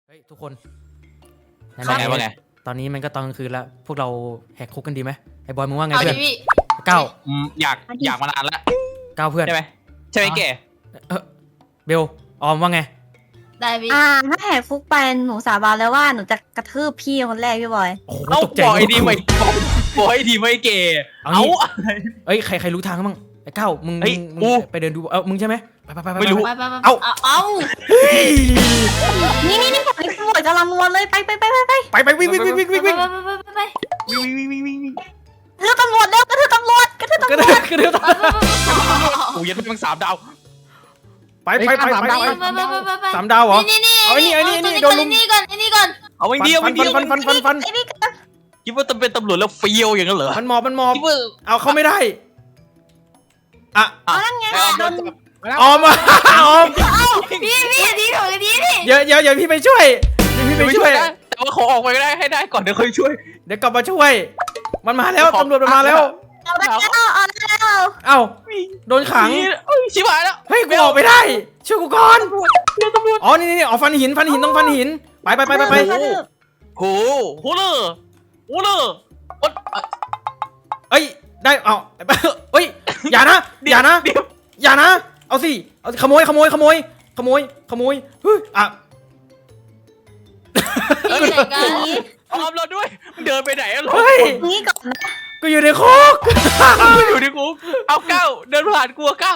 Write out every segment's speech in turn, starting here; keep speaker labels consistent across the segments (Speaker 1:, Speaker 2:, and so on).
Speaker 1: เฮ้ยทุกคน
Speaker 2: ว่าไงว่าไง
Speaker 1: ตอนนี้มันก็ตอนกลางคืนแล้วพวกเราแหกคุกกันดีไหมไอ้บอยมึงว่าไง
Speaker 3: เอา
Speaker 1: เพื่
Speaker 3: ดิ
Speaker 1: อน
Speaker 3: พี่
Speaker 1: ก้าว
Speaker 2: อยากมานานแล้ว
Speaker 1: ก้าวเพื่อน
Speaker 2: ใช่ไหมใช่ไหมแก
Speaker 1: เบลออมว่าไง
Speaker 3: ได้พี่
Speaker 4: ถ้าแหกคุกไปหนูสาบานแล้วว่าหนูจะกระทืบพี่คนแรกพี่บอย
Speaker 1: โอ้โห
Speaker 2: เอ้า
Speaker 1: ตกใจ
Speaker 2: บอกไอ้ดีไม่บอกไอ้ดีไม่แก
Speaker 1: เอางี้
Speaker 2: เอา
Speaker 1: เอ้ยใครรู้ทางบ้างไอ้ก้าวมึง
Speaker 2: เฮ้ย
Speaker 1: มึง
Speaker 2: กู
Speaker 1: ไปเดินดูมึงใช่ไหมไป
Speaker 2: ไม่รู้
Speaker 3: ไป
Speaker 1: เอา
Speaker 3: เอา
Speaker 1: เฮ้ย
Speaker 4: นี่ไอ้ตำรวจกำลังนวลเลยไป
Speaker 1: ไปวิ่ง
Speaker 3: ไป
Speaker 1: วิ่ง
Speaker 3: ไปไป
Speaker 2: วิ่งวิ่ง
Speaker 4: กระทืบตำรวจเร็วกระทืบตำรวจ
Speaker 1: กระเดือก
Speaker 2: โอ้ยยันเป็น3 ดาว
Speaker 1: ไป
Speaker 3: สาม
Speaker 1: 3 ดาวเหรอ
Speaker 3: นี่
Speaker 1: เอาไอ้นี่โดนลุม
Speaker 3: นี่ก่อน
Speaker 2: เอาไว้เดียว
Speaker 1: ฟัน
Speaker 4: ไอ้นี่
Speaker 2: คิดว่าจะเป็นตำรวจแล้วเฟี้ยวอย่างนั้นเหรอ
Speaker 1: มันหมอบ
Speaker 2: คิดว่า
Speaker 1: เอาเขาไม่ได้อ่ะ
Speaker 4: นั่นไงโดน
Speaker 1: ออมออม
Speaker 3: พี่ดีถูกดีพี่
Speaker 1: เดี๋ยวพี่ไปช่วยพี่ไปช่วย
Speaker 2: แต่ว่าขอออกไปก็ได้ให้ได้ก่อนเดี๋ยวค่อยช่วย
Speaker 1: เดี๋ยวกลับมาช่วย มันมาแล้วตำรวจมันมาแล้ว
Speaker 4: เอาแล้ว
Speaker 1: เอ้าโดนขัง
Speaker 2: ชิบหายแล้ว
Speaker 1: เฮ้ยกูออกไปได้ช่วยกูก่อนอ๋อนี่อ๋อฟันหินต้องฟันหินไป
Speaker 2: โหเลย
Speaker 1: เอ้ยได้เอาเอ้ยอย่านะเอาสิเอาขโมยเฮ้ยอ่ะ
Speaker 3: พี่ไหนกัน
Speaker 2: ออมเราด้วยเดินไปไหนอะ
Speaker 1: เฮ้ย
Speaker 4: นี่ก่อนนะ
Speaker 1: กูอยู่ในคุก
Speaker 2: อยู่ในคุกเอาก้าวเดินผ่านกลัวก้าว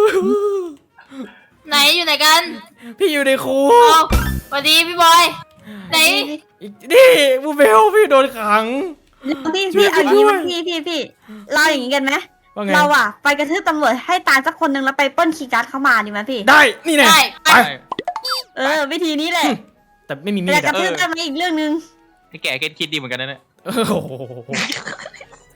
Speaker 3: ไหนอยู่ไหนกัน
Speaker 1: พี่อยู่ในคุก
Speaker 3: เอาสวัสดีพี่บอยไหน
Speaker 1: นี่บูเบลพี่โดนขัง
Speaker 4: พี่เอาอย่างนี้มาพี่เราอย่างนี้กันไหม
Speaker 1: ว่าไง
Speaker 4: เราอะไปกระทืบตำรวจให้ตายสักคนนึงแล้วไปปล้นคีย์การ์ดเข้ามาดีไหมพี่
Speaker 1: ได้นี่แน่
Speaker 3: ได้
Speaker 1: ไป
Speaker 4: วิธีนี้แหละ
Speaker 1: แต่ไม่มีมี
Speaker 4: แต่
Speaker 1: ด
Speaker 4: กระ
Speaker 1: อะ
Speaker 4: ทืบได้ไหมอีกเรื่องนึง
Speaker 2: ให้แกคิดดีเหมือนกันนะเนี่ย
Speaker 1: โอ้โห
Speaker 3: ไป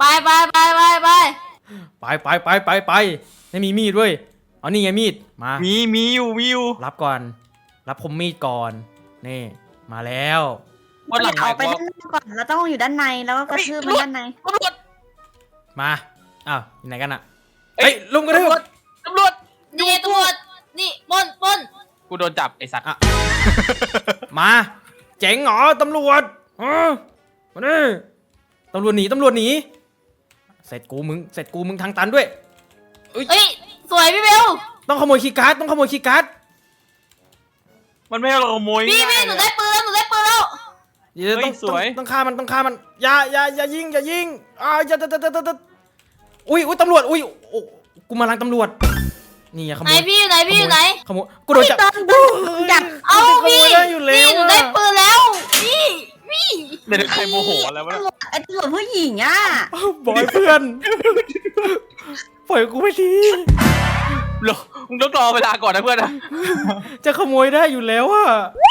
Speaker 1: ไม่มีมีดด้วยเอานี่ไงมีดมา
Speaker 2: มีอยู่
Speaker 1: รับก่อน รับคมมีดก่อน นี่ มาแล้ว
Speaker 2: วันหลัง
Speaker 4: เอาไปด้านนอกก่อนเราต้องอยู่ด้านในแล้วก็กระทืบมันด้านใน
Speaker 2: ตำรวจ
Speaker 1: มาอ้าวอยู่ไหนกันอะเฮ้ยลุงกระทืบ
Speaker 2: ตำรวจ
Speaker 3: นี่ตำรวจนี่ปล้น
Speaker 2: กูโดนจับไอ้สัตว์
Speaker 1: มาเจ๋งเหรอตำรวจมาดิตำรวจหนีเสร็จกูมึงทางตันด้วย
Speaker 3: เฮ้ยสวยพี่เบล
Speaker 1: ต้องขโมยคีย์การ์ด
Speaker 2: มันไม่ให้เราขโมย
Speaker 3: พี่หนูได้ปืนแล้ว
Speaker 1: เดี๋ยวต้องฆ่ามันอย่ายิงอุ้ยตำรวจอุ้ยกูมาลังตำรวจนี่ขโม
Speaker 3: ไหน
Speaker 1: ย
Speaker 3: พี่อยู่ไหน
Speaker 1: ขโมยกูโดนจับ
Speaker 4: จับ
Speaker 3: เอาพี่
Speaker 1: ได้อยู่แล้
Speaker 3: พี่
Speaker 1: ว
Speaker 3: หนูได้ปืนแล้วพี่
Speaker 2: เดี๋ยวใครโมโหอะไรวะ
Speaker 4: ไอ้ตำรวจผู้หญิงอ่ะ
Speaker 1: บอยเพื่อนปล่อยกูไปที
Speaker 2: มึงต้องรอเวลาก่อนนะเพื่อนนะ
Speaker 1: จะขโมยได้อยู่แล้วอะ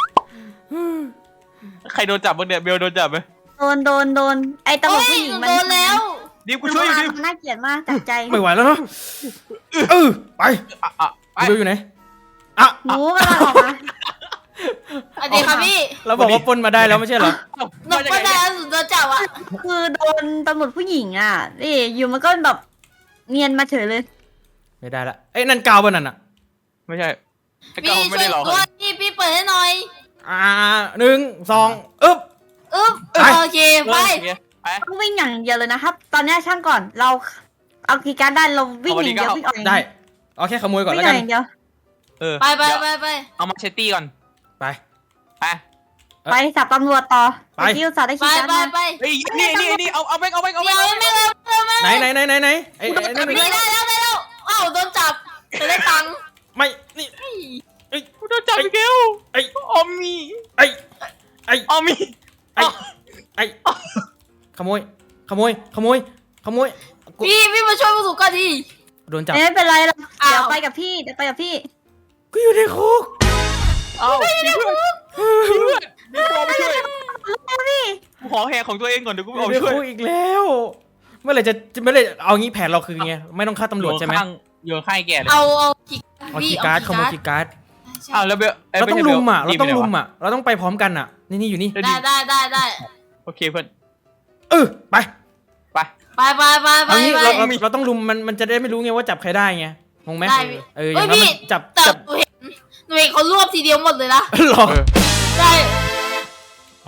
Speaker 2: ใครโดนจับบ้างเนี่ยเบลโดนจับไหม
Speaker 4: โดนไอ้ตำรวจ
Speaker 3: โอ้ย
Speaker 4: ผู้หญิง
Speaker 3: หนู
Speaker 4: มัน
Speaker 3: โดนแล้ว
Speaker 2: ดิวกูช่วยดิว
Speaker 4: มันน่าเกลียดมากจากใจ
Speaker 1: ไม่ไหวแล้วเนาะไป
Speaker 2: ไป
Speaker 1: ดูอยู่ไหนอ่ะ
Speaker 4: หนูกำลังออกมา
Speaker 3: สวัสดีครับพี่
Speaker 1: เราบอกว่าปล้นมาได้แล้วไม่ใช่เหรอ
Speaker 3: หนูก็ได้หนูโดนจับอ่ะ
Speaker 4: คือโดนตำรวจผู้หญิงอ่ะนี่อยู่มันก็แบบเนียนมาเฉยเลย
Speaker 1: ไม่ได้ละเอ้ยนั่นกาวป่ะนั่นอะ
Speaker 2: ไม่ใช่ไอ้
Speaker 3: พี่
Speaker 2: ก้าวไม่
Speaker 3: ช่วย
Speaker 2: ได้หรอก
Speaker 3: ด้วยพี่เปิดให้หน่อย
Speaker 1: 1 2อึ๊บ ไป
Speaker 3: โอเคไป
Speaker 2: ไป
Speaker 4: ต้องวิ่งอย่างเดียวเลยนะครับ ตอนนี้ช่างก่อนเราเอากีย์การ์ดได้เราวิ่งอย่างเดียววิ่งออกอย่าง
Speaker 1: ได้
Speaker 4: เดียว
Speaker 1: เอาแค่ขโมยก่อน
Speaker 4: วิ่
Speaker 1: แล้ว
Speaker 4: งอ
Speaker 1: กั
Speaker 4: อน กอย่างเดียว
Speaker 3: ไป
Speaker 2: เอามาเชตตี้ก่อน
Speaker 1: ไป
Speaker 2: ไป
Speaker 4: ไปสับตำรวจต่อ
Speaker 1: ไป
Speaker 4: ไปที่อุตสาห์ได้คีย์การ์ดมา
Speaker 2: เฮ้ยนี่เอาไป
Speaker 3: เดี๋ยวไม่
Speaker 1: ไหนไอ้นั่น
Speaker 3: ได้แล้วอ้าวโดนจับจะได้ตังค์
Speaker 1: ไม่นี่
Speaker 2: กูโดนจับอีกแล้ว
Speaker 1: ไอ้
Speaker 2: ออมมี
Speaker 1: ไอ้
Speaker 2: ออมมี
Speaker 1: ไอ้ขโมยกู
Speaker 3: พี่มาช่วยผู้สูงก่อนดิ
Speaker 1: โดนจับ
Speaker 4: ไม่เป็นไรหรอก
Speaker 3: อ้าว
Speaker 4: เดี๋ยวไปกับพี่
Speaker 1: กูอยู่ในคุก
Speaker 2: เอาพี่เพื่อนพี่พอไปช่วยกูขอแหกของตัวเองก่อนเดี๋ยวกู
Speaker 1: อ
Speaker 2: เอา
Speaker 1: ยู่ใน
Speaker 2: ช่วย
Speaker 1: คุกอีกแล้ว เมื่อไหร่จะเอางี้แผนเราคือไงไม่ต้องฆ่าตำรวจใช่ไหม
Speaker 2: โยนข้างแกเลย
Speaker 3: เอา
Speaker 1: เอาคีย์การ์ดขโมยคีย์การ์ด
Speaker 2: อ้าวแล้วเบล
Speaker 1: เราต้องลุมอ่ะเราต้องไปพร้อมกันอ่ะนี่อยู่นี่
Speaker 3: ได้
Speaker 2: โอเคเพื่อน
Speaker 1: ไป
Speaker 3: ไป
Speaker 1: เอางี้เราต้องลุมมันจะได้ไม่รู้ไงว่าจับใครได้ไงงงไหม
Speaker 3: ได้
Speaker 1: อย่างนั้นจับ
Speaker 3: แต่หนูเห็นเขารวบทีเดียวหมดเลยนะ
Speaker 1: หรอ
Speaker 3: ได้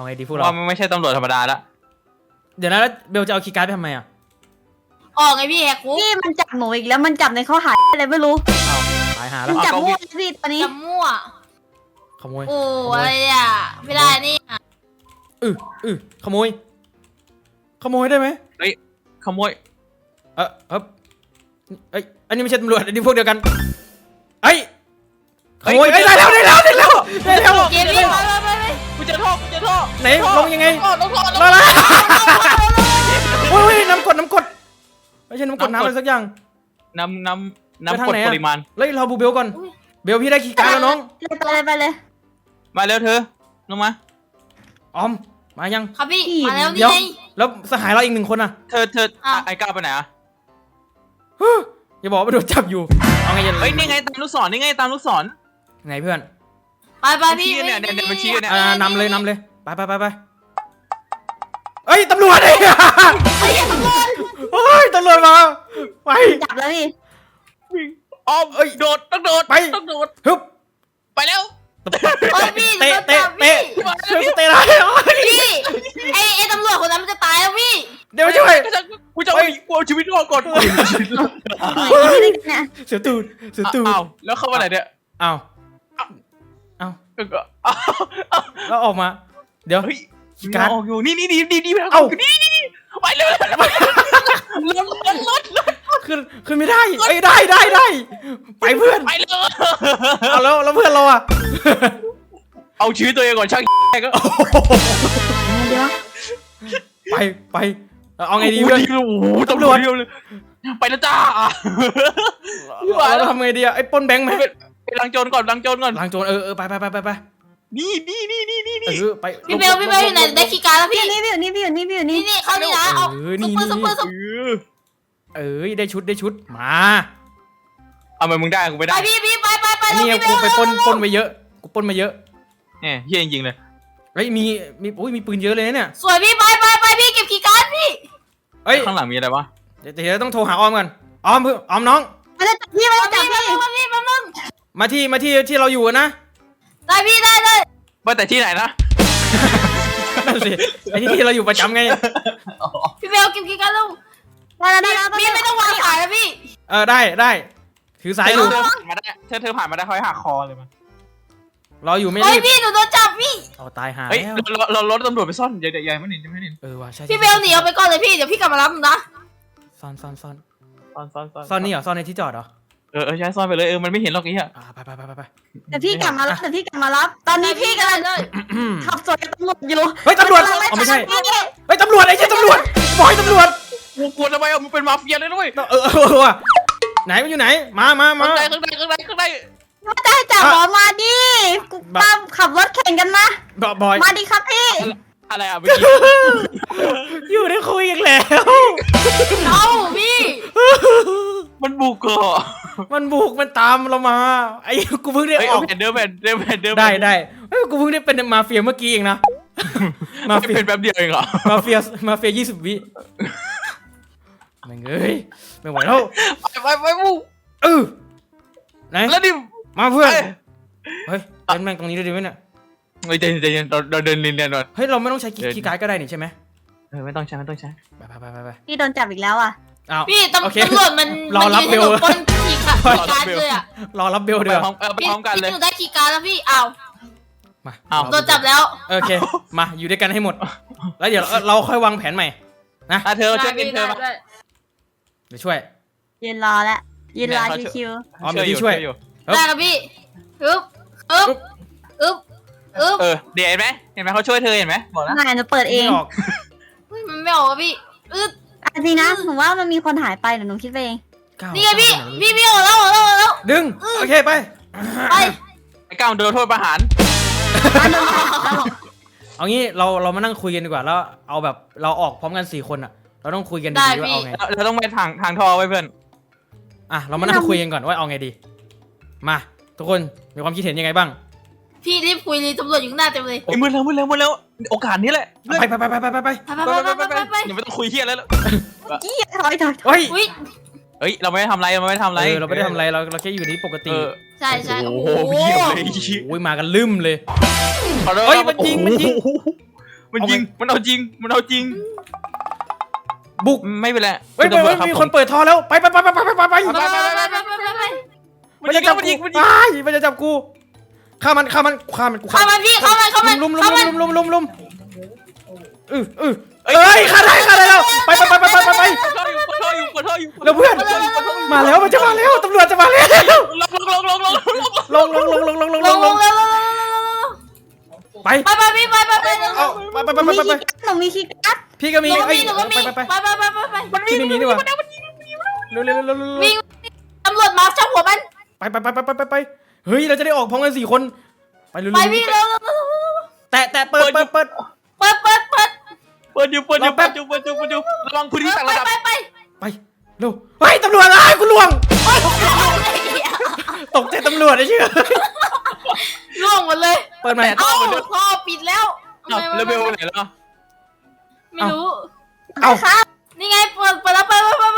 Speaker 1: ไงดีพวกเรา
Speaker 2: ว่ามันไม่ใช่ตำรวจธรรมดาละ
Speaker 1: เดี๋ยวนะแล้วเบลจะเอาคีย์การ์ดไปทำไมอ่ะ
Speaker 3: ออกไงพี่แหกคุก
Speaker 4: พี่มันจับหนูอีกแล้วมันจับในข้อหาอะไรไม่รู้
Speaker 1: ตายหา
Speaker 4: มั
Speaker 1: แล้ว
Speaker 4: นจับมั่วเลยพี่ตอนนี้
Speaker 3: จะมั่ว
Speaker 1: ขโมย
Speaker 3: โอ้อะไรอ่ะไม่ได้นี่
Speaker 1: ขโมยได้ไหม
Speaker 2: ขโมย
Speaker 1: เอันนี้ไม่ใช่ตำรวจอันนี้พวกเดียวกันเอ้ยขโมยได้แล้ว
Speaker 3: เกมพี่ไป
Speaker 2: กูเจอท่อ
Speaker 1: ไหนลงยังไง
Speaker 3: ต้องขอ
Speaker 1: ลาโอ้ยน้ำกดไม่ใช่น้ำกดน้ำอะไรสักอย่าง
Speaker 2: น้ำกดปริมาณ
Speaker 1: เฮ้ยเราบูเบลก่อนเบลพี่ได้คีย์การ์ดแล้วน้อง
Speaker 4: ไปเลย
Speaker 2: มาเร็วเธอลงมา
Speaker 1: ออมมายัง
Speaker 3: ครับพี่มาแล้วนี่
Speaker 1: เดี๋ยว
Speaker 3: ไง
Speaker 1: แล้วสหายเราอีก1 คนอ่ะ
Speaker 2: เธอไอ้ก้าวไปไหนอะ
Speaker 1: อย่าบอกว่าโดนจับอยู่เอาไง
Speaker 2: เฮ้ยนี่ไงตามลูกศรนี่ไงตามลูกศร
Speaker 1: ไงเพื่อน
Speaker 3: ไปพี่
Speaker 2: เนี่ยมันชี้เนี่ย
Speaker 1: นำเลยไปเอ้ยตำรวจไอ้โอ้ยตำรวจมาไป
Speaker 4: จับแล้วพี่
Speaker 2: อ้อมโดดต้องโดด
Speaker 1: ฮึบ
Speaker 2: ไปแล้ว
Speaker 3: พี่
Speaker 1: เตะ ช่วยกูเตะได้
Speaker 3: พี่ไอ้ตำรวจคนนั้นมันจะตายแล้วพี่
Speaker 1: เดี๋ยวช่วย
Speaker 2: กูจะเอาชีวิตรอดก่อน
Speaker 4: เนี่ย
Speaker 1: เสือตูด
Speaker 2: อ้าวแล้วเข้ามาไหนเนี่ย
Speaker 1: อ้าวแล้วออกมาเดี๋ยว
Speaker 2: เฮ้ย
Speaker 1: การ
Speaker 2: ออกอยู่นี่นี่
Speaker 1: เอ้า
Speaker 2: ไปเลยรถ
Speaker 1: ขึ้นไม่ได้เอ้ยได้ไปเพื่อน
Speaker 2: ไปเลย
Speaker 1: เอาแล้วเพื่อนเราอ่ะ
Speaker 2: เอาชีวิตตัวเองก่อนช่างก็
Speaker 4: เดี๋ยว
Speaker 1: ไปเอาไงดีเพื่อน
Speaker 2: โอ้โหตำรวจเลยไปแล้วจ้า
Speaker 1: เราทำไงดีอ่ะไอ้ปล้นแบงค์ไหม
Speaker 2: ไปล้างโจรก่อน
Speaker 1: ล้างโจรไป
Speaker 2: นี่
Speaker 1: ไป
Speaker 3: พี่เบลอยู่ไหนได้คีย์การ์ดแล้วพี่
Speaker 4: นี่นี่
Speaker 3: เข้านี่นะเอาซุปเปอร์
Speaker 1: ได้ชุดมา
Speaker 2: เอามามึงได้กูไม่
Speaker 3: ไป
Speaker 2: ได้
Speaker 3: พี่ไป
Speaker 1: นี่กูไปปล้นมาเยอะ
Speaker 2: เนี่ยเฮียจริงเลย
Speaker 1: เฮ้ยมีปืนเยอะเลยเนี่ย
Speaker 3: สวยพี่ไปพี่เก็บคีย์การ์ดพี่
Speaker 1: เฮ้ย
Speaker 2: ข้างหลังมีอะไรวะ
Speaker 1: เดี๋ยวต้องโทรหาออมกันออมน้อง
Speaker 4: มันจะจับพี่มันจะจับพี่
Speaker 3: พี่แป๊บนึง
Speaker 1: มาที่เราอยู่นะ
Speaker 3: ได้พี่ได้
Speaker 2: ว่าแต่ที่ไหนนะ
Speaker 1: นั่นสิไอ้ที่เราอยู่ประจำไง
Speaker 3: พี่เบลเก็บคีย์การ์ดแล้ว
Speaker 4: ได้
Speaker 3: พี่ไม่ต้องวางขายนะพี่
Speaker 1: ได้ถือสายอยู่
Speaker 2: เธอผ่านมาได้ค่อยหักคอเลยมัน
Speaker 1: รออยู่ไม่
Speaker 3: เฮ้
Speaker 1: รี
Speaker 3: ย
Speaker 1: บ
Speaker 3: พี่หนูโดนจับพี่
Speaker 1: เอาตายหา
Speaker 2: เฮ้ย
Speaker 1: แล้ว
Speaker 2: เรารถตำรวจไปซ่อนอย่าไม่เห็น
Speaker 1: ว่ะใช่
Speaker 3: พี่เบลหนีเอาไปก่อนเลยพี่เดี๋ยวพี่กลับมารับนะ
Speaker 1: ซ่อน
Speaker 2: ซ่อน
Speaker 1: นี่เหรอซ่อนในที่จอดเหรอ
Speaker 2: ใช่ซ่อนไปเลยมันไม่เห็นหรอกไอ้เหี้ย
Speaker 1: ไป
Speaker 4: แต่พี่กลับมารับตอนนี้พี่กำลังขับสวนกับตำรวจอยู่
Speaker 1: เฮ้ยตำรวจไม่ใช่เฮ้ยตำรวจไอ้เจ้าตำรวจบอยตำรวจ
Speaker 2: กูกลัวทำไมมึงเป็นมาเฟียเลยด้วย
Speaker 1: ว่ะไหนมันอยู่ไหนมา
Speaker 2: ข้างใน
Speaker 4: ไม่ได้จับหมอมาดิกูตามขับรถแข่งกันมา
Speaker 1: บอย
Speaker 4: มาดิครับพี่
Speaker 2: อะไรอ่ะเมื่อกี้
Speaker 1: อยู่ได้คุยกันแล้ว
Speaker 3: เอ้าพี่
Speaker 2: มันบุกเหรอ
Speaker 1: มันบุกมันตามเรามาไอ้กูเพิ่งได้ออก
Speaker 2: เดิมแผ่น
Speaker 1: ได้กูเพิ่งได้เป็นมาเฟียเมื่อกี้เองนะมาเฟีย
Speaker 2: เป็นแป๊บเดียวเองเหรอ
Speaker 1: มาเฟีย20 วิแม่งเอ้ยไม่ไหวแล้ว
Speaker 2: ไปบุก
Speaker 1: ไหน
Speaker 2: แล้วดิ
Speaker 1: มาเพื่อนเฮ้ยเล่นแม่งตรงนี้ได้ไหมเนี่ย
Speaker 2: ใจเย็นเราเดินเรียนก่อน
Speaker 1: เฮ้ยเราไม่ต้องใช้คีย์การ์ดก็ได้นี่ใช่ไหม
Speaker 2: ไม่ต้องใช้
Speaker 1: ไป
Speaker 4: พี่โดนจับอีกแล้วอ่ะ
Speaker 1: อ้าว
Speaker 3: พี่ตำรวจมันยืนให้หนูปนคีย์การ์ดเลยอ่ะ
Speaker 1: รอรับเบลเดือ
Speaker 2: ไปพร้อมกันเลย
Speaker 3: พี่หนูได้คีย์การ์ดแล้วพี่อ้าว
Speaker 1: มา
Speaker 3: โดนจับแล้ว
Speaker 1: โอเคมาอยู่ด้วยกันให้หมดแล้วเดี๋ยวเราค่อยวางแผนใหม่นะ
Speaker 2: เธอช่วยกินเธอมา
Speaker 1: เดี๋ยวช่วย
Speaker 4: ยืนรอแล้วยืนรอชิว
Speaker 1: อ๋อเดี๋ยวที่ช่วย
Speaker 3: ได้ครับพี่อึ๊บ
Speaker 2: เดี๋ยวเห็นไหมเขาช่วยเธอเห็นไหมบอก
Speaker 4: ๆ
Speaker 2: นะ
Speaker 4: นายจะเปิดเอง
Speaker 1: ไม่ออก
Speaker 3: มันไม่ออกพี่อึ๊บ
Speaker 4: จริงนะหนูว่ามันมีคนหายไปเดี๋ยวหนูคิดไปเอง
Speaker 3: นี่ไงพี่ออกแล้ว
Speaker 1: ดึงโอเคไป
Speaker 3: ไป
Speaker 2: ไอ้ก้าวโดนโทษประหาร
Speaker 1: เอางี้เรามานั่งคุยกันดีกว่าแล้วเอาแบบเราออกพร้อมกัน4 คนอ่ะเราต้องคุยกันดีๆว่าเอาไง
Speaker 2: เราต้องไปทางท่อไว้เพื่อน
Speaker 1: อ่ะเรามานั่งคุยกันก่อนว่าเอาไงดีมาทุกคนมีความคิดเห็นยังไงบ้าง
Speaker 3: พี่รีบคุยเลยตำรวจอยู่ข้างหน้าเต็มเลย
Speaker 2: มืดแล้วโอกาสนี้แหละ
Speaker 1: ไป
Speaker 3: ไป
Speaker 2: อย่าไม่ต้องคุยเฮียแล้ว
Speaker 4: จี้ถอย
Speaker 1: เฮ้ย
Speaker 3: อุ้ย
Speaker 2: เฮ้ยเราไม่ได้ทำอะไรเราไม่ได้ทำอะไร
Speaker 1: เราไม่ได้ทำอะไรเราแค่อยู่นี่ปกติ
Speaker 3: ใช่
Speaker 2: โอ้โหเยี่ยมเลย
Speaker 1: โอ้ยมากันลืมเลย
Speaker 2: เฮ้ย
Speaker 1: มันยิง
Speaker 2: มันยิงมันเอาจริงมันเอาจริง
Speaker 1: บุก
Speaker 2: ไม่เป็นไร
Speaker 1: เฮ้ย
Speaker 2: คุณตำรวจรับ
Speaker 1: มีคนเปิดท่อแล้วไป
Speaker 3: ไปไปไปไปไปไป
Speaker 1: มันจะจับกูมันจะจับกูฆ่ามันกู
Speaker 3: เข้ามันพี่เข้ามัน
Speaker 1: ลุมเอ้ยฆ่าได้แล้วไป
Speaker 2: ปวดท่ออยู่
Speaker 1: แล้วเพื่อนมาแล้วมันจะมาแล้วตำรวจจะมาแล้ว
Speaker 2: ลง
Speaker 1: ลงไป
Speaker 3: ไปพี่ไป
Speaker 1: เอาไป
Speaker 4: หนูมีคีย์การ์ด
Speaker 1: พี่ก็มี
Speaker 3: หนูก็มี
Speaker 1: ไป
Speaker 3: มัน
Speaker 1: พี่ไม่มีนี่หว่าเร็ว
Speaker 3: วิ่งตำรวจมาจับหัวมัน
Speaker 1: ไปเฮ้ยเราจะได้ออกพร้อมกัน4 คนไปเร็ว
Speaker 3: ไปพี่เร็ว
Speaker 1: แต่เปิด
Speaker 2: เปิดอยู่ระวังพื้นที่ต่างระดับ
Speaker 3: ไป
Speaker 1: ไปเร็วเฮ้ยตำรวจกูล่วงตกใจตำรวจไอ้เชื่อ
Speaker 3: ล่วงหมดเลย
Speaker 1: เปิดใหม่
Speaker 3: เอ้าท่อปิดแล้ว
Speaker 2: เลเวลไหนแล้ว
Speaker 3: ไม่รู้
Speaker 1: เอา
Speaker 3: นี่ไงเปิดแล้วไป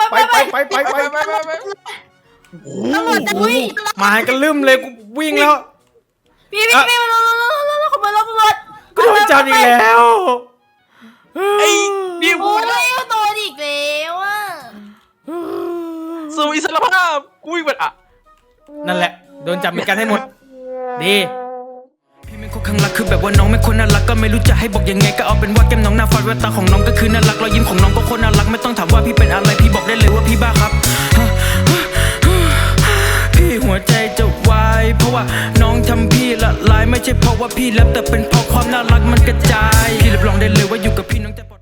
Speaker 3: ตำรวจจะวิ่ง
Speaker 1: มากันลืมเลยกูวิ่งแล้ว
Speaker 3: พี่มาขบวนรถตำรวจ
Speaker 1: กูโดนจับอีกแล้ว
Speaker 2: ไอ้ดิว
Speaker 3: โอ้ยโดนอีกแล้วอ่ะ
Speaker 2: สู่อิสรภาพกูวิ่งแบบอ่ะ
Speaker 1: นั่นแหละโดนจับเหมือนกันให้หมดดี
Speaker 5: พี่เป็นคนข้างรักคือแบบว่าน้องไม่คนน่ารักก็ไม่รู้จะให้บอกยังไงก็เอาเป็นว่าแก้มน้องหน้าฟาดแววตาของน้องก็คือน่ารักรอยยิ้มของน้องก็คนน่ารักไม่ต้องถามว่าพี่เป็นอะไรพี่บอกได้เลยว่าพี่บ้าครับพี่หัวใจจะวายเพราะว่าน้องทำพี่ละลายไม่ใช่เพราะว่าพี่แลบแต่เป็นเพราะความน่ารักมันกระจายพี่รับรองได้เลยว่าอยู่กับพี่น้องจะ